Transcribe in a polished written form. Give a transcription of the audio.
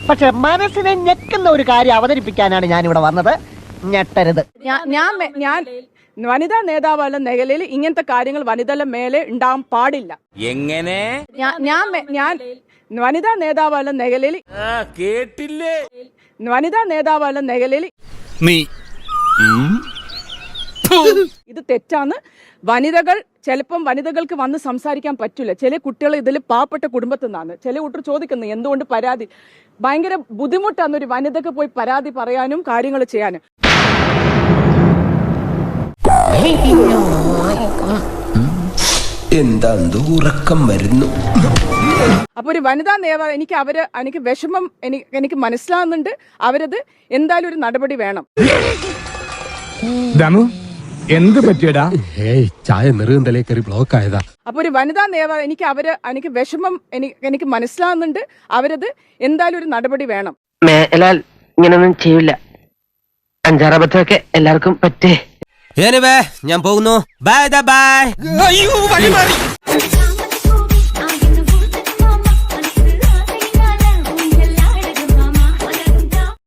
പക്ഷെ മനസ്സിനെ ഞെക്കുന്ന ഒരു കാര്യം അവതരിപ്പിക്കാനാണ് ഞാൻ ഇവിടെ വന്നത്. ഞെട്ടരുത്. ഞാൻ വനിതാ നേതാവല്ല മേഖലയിൽ ഇങ്ങനത്തെ കാര്യങ്ങൾ വനിതകളുടെ മേലെ ഉണ്ടാവാൻ പാടില്ല. എങ്ങനെ? ഞാൻ വനിതാ നേതാവല്ല മേഖലയിൽ കേട്ടില്ലേ? വനിതാ നേതാവല്ല മേഖലയിൽ നീ ഇത് തെറ്റാണ്. വനിതകൾ ചിലപ്പം വനിതകൾക്ക് വന്ന് സംസാരിക്കാൻ പറ്റില്ല. ചില കുട്ടികൾ ഇതിൽ പാവപ്പെട്ട കുടുംബത്തിൽ നിന്നാണ്. ചില കുട്ടികൾ ചോദിക്കുന്നു എന്തുകൊണ്ട് പരാതി. ഭയങ്കര ബുദ്ധിമുട്ടാണ് ഒരു വനിതക്ക് പോയി പരാതി പറയാനും കാര്യങ്ങൾ ചെയ്യാനും. എന്താ ഉറക്കം വരുന്നു. അപ്പൊ ഒരു വനിതാ നേതാവ് എനിക്ക് വിഷമം എനിക്ക് മനസ്സിലാവുന്നുണ്ട്. അവരത് എന്തായാലും ഒരു നടപടി വേണം. എന്ത് പറ്റിയടാ? ചായ നെറുകന്തലേ കയറി ബ്ലോക്ക് ആയതാ. അപ്പൊ ഒരു വനിതാ നേതാവ് എനിക്ക് വിഷമം എനിക്ക് മനസ്സിലാവുന്നുണ്ട്. അവരത് എന്തായാലും ഒരു നടപടി വേണം. മേലാൽ ഇങ്ങനൊന്നും ചെയ്യില്ല. അഞ്ചാറബദ്ധമൊക്കെ എല്ലാവർക്കും പറ്റേ. ഞാൻ പോകുന്നു. Bye by.